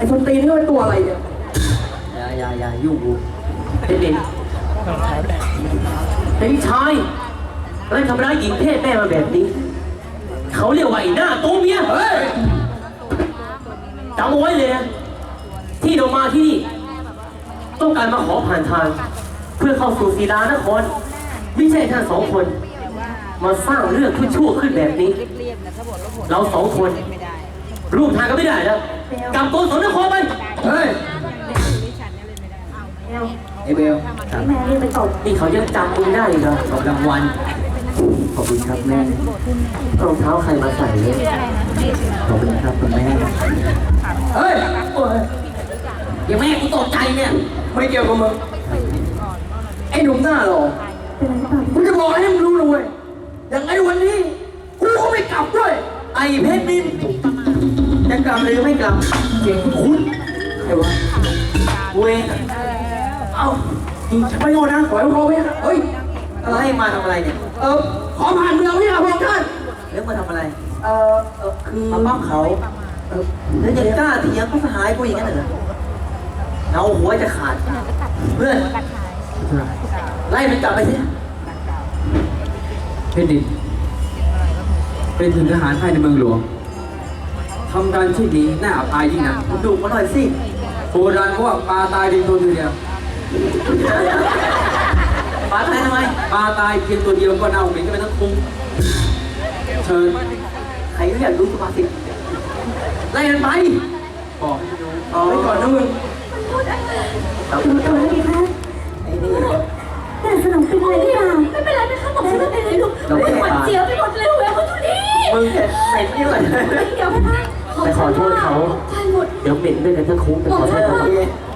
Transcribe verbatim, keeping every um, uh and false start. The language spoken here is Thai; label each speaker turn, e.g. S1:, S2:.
S1: ส้นตีนนี่เป็นตัวอะไรเนี่ย
S2: อย่าอย่าอย่ายุ่งกูเป็นเด็กแต่พี่ชายแล้วทำร้ายหญิงเพศแม่มาแบบนี้เขาเรียกว่าไอ้หน้าตัวเมียเฮ้ยจำเอาไว้เลยนะที่เรามาที่นี่ต้องการมาขอผ่านทางเพื่อเข้าสู่ศิลานครไม่ใช่ท่านสองคนมาสร้างเรื่องชั่วๆขึ้นแบบนี้เราสองคนรูปทางก็ไม่ได้แล้วกลับตัวสนนครไปเฮ้ยไอเบลแม่เรียกไปตบนี่เขายังจำมึงได้อีกเหรอตบรางวัลขอบคุณครับแม่รองเท้าใครมาใส่เนี่ยขอบคุณครับคุณแม่เฮ้ยอย่าแม่กูตกใจเนี่ยไม่เกี่ยวกับมึงไอ้หนุ่มหน้าหรอกูจะบอกให้มึงรู้เลยอย่างไอ้วันนี้กูก็ไม่กลับด้วยไอ้เพชรนินจะกลับหรือไม่กลับเสียงคุ้นใครวะเว้ยเอ้าไม่โง่นะขอให้เขาไปเฮ้ยอะไรมาทำอะไรเนี่ยเออขอผ่านเมืองนี่นะพวกท่านเรื่องมาทำอะไรเออเออคือมาบ้าเขาเออแล้วยังกล้าเถียงก็สหายกูอย่างนั้นเหรอเราหัวจะขาดเพื่อนไล่มันกลับไปสิเพชรดินเป็นถึงทหารภายในเมืองหลวงทำการที่ดีน่าอับอายยิ่งนักดูมาหน่อยสิโบราณเขาว่าปลาตายดินตัวเดียวปลาตายทำไมปลาตายเพียงตัวเดียวก็เน่าเหม็นก็เป็นทั้งคุ้งเชิญใครก็อยากรู้ตัวสิไล่มันไปบอกเอาไว้ก่อนนะมึงเอาตัวตัวนี้ค่ะไอ้นี่แต่สนองเป็นอะไรหรือเปล่าไม่เป็นไรไม่ค่ะบอกฉันไม่เป็นไรลูกไม่หวั่นเสียวไปหมดเลยหัวเขาทุนี้มึงเห็นนี่เลยเดี๋ยวไปขอโทษเขาเดี๋ยวเหม็นด้วยกันทั้งคุ้งแต่ขอโทษเขา